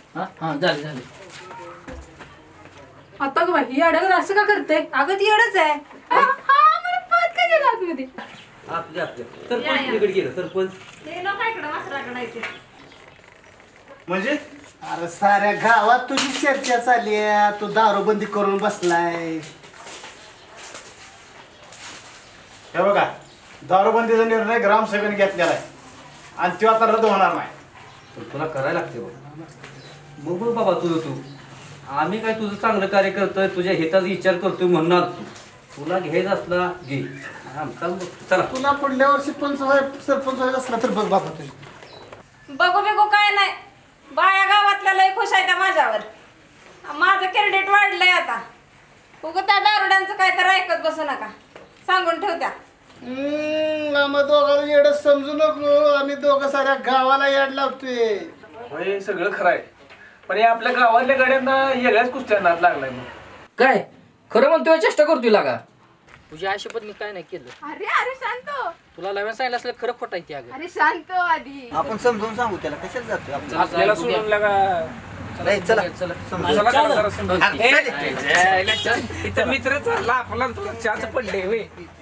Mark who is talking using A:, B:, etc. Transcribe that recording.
A: हा झाले झाले.
B: आता ग बाई येडं असं का करते? अगं ती येडच आहे. मला पळत काय गेला आतमध्ये?
C: आपल्या सरपंच तिकडे गेलं सरपंच.
B: ते लोक इकडं वासराकडे येते.
D: म्हणजे अरे साऱ्या गावात तुझी चर्चा चालली आहे, तू दारूबंदी करून बसलाय. हे बघा, दारूबंदीचा निर्णय ग्रामसभेने घेतलेला आहे आणि तो आता रद्द होणार नाही.
C: पण तुला करायला लागते बघ बघ बाबा तू आम्ही काय तुझं चांगलं कार्य करतोय, तुझ्या हिताचा विचार करतोय म्हणणार तू. तुला घ्यायचं असला घे. चला
D: तुला पुढल्या वर्षी सरपंच व्हायचं असला तर बघ बाबा तुझी.
B: बघू बिगू काय नाही. बाया गावातल्या लय खुश आहे त्या माझ्यावर. माझं क्रेडिट वाढलंय आता. उगं त्या दारुड्यांचं काय तर ऐकत बसू नका, सांगून ठेवत्या.
D: आम्हा दोघाला येडं समजू नको, आम्ही दोघं साऱ्या गावाला येड लावतोय.
E: होय सगळं खरं आहे, पण हे आपल्या गावातल्या गाड्यांना वेगळ्याच कुस्त्या नाद लागलाय मग.
A: काय खरं म्हणतोय? चेष्टा करतोय लागा. तुझ्या आयुष्यात मी काय नाही केलं.
B: अरे अरे शांत.
A: तुला लव्यान सांगितलं असलं खरं खोटं आहे ते. अगं
B: अरे शांत आधी.
F: आपण समजून सांगू त्याला, कशाला जातोय आपण.
E: आपल्याला सोडून लागा.
F: नाही, चला
A: चला
E: चला जरा समजून. इथं मित्र चालला आपला तुला चहाच पडले होय.